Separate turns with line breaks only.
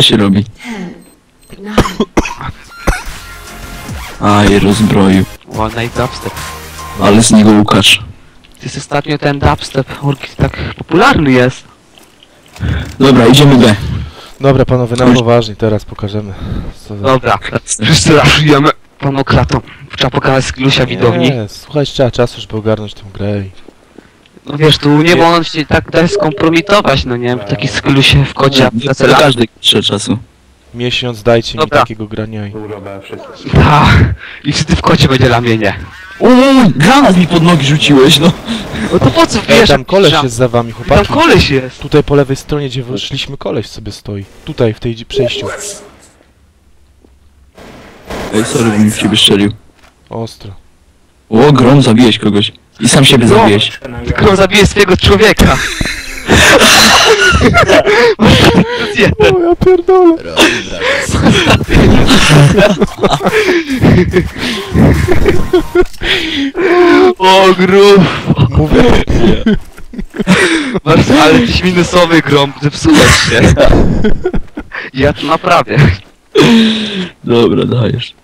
się robi?
10, 9,
Aj, rozbroił.
O, night dubstep.
Ale z niego Łukasz.
To jest ostatnio ten dubstep, tak popularny jest.
Dobra, idziemy B.
Dobra panowie, na poważnie, teraz pokażemy. Co za...
Dobra, wszyscy raszujemy panokratą. Trzeba pokazać sklusia widowni.
Nie, słuchaj, trzeba czasu, żeby ogarnąć tę grę.
No wiesz, tu nie wolno się tak dać skompromitować, no nie? Taki sklusie w kodzie
Do każdej trzeba czasu.
Miesiąc dajcie mi
Dobra.
takiego grania i...
I wtedy w kodzie będzie ramienie.
Granat mi pod nogi rzuciłeś, no.
No to po co wiesz?
tam koleś
że-
jest za wami,
Tam
chłopaki.
koleś jest.
Tutaj po lewej stronie, gdzie wyszliśmy, koleś sobie stoi. Tutaj, w tej przejściu.
Ej, sorry, bo mi w ciebie strzelił.
Ostro.
O, Grom, zabiłeś kogoś. I sam siebie zabiłeś.
Kto zabije swojego człowieka?
O, ja pierdolę.
O, grób!
Mówię.
Ale tyś minusowy grom, zepsułeś się. Ja to naprawię.
Dobra, dajesz.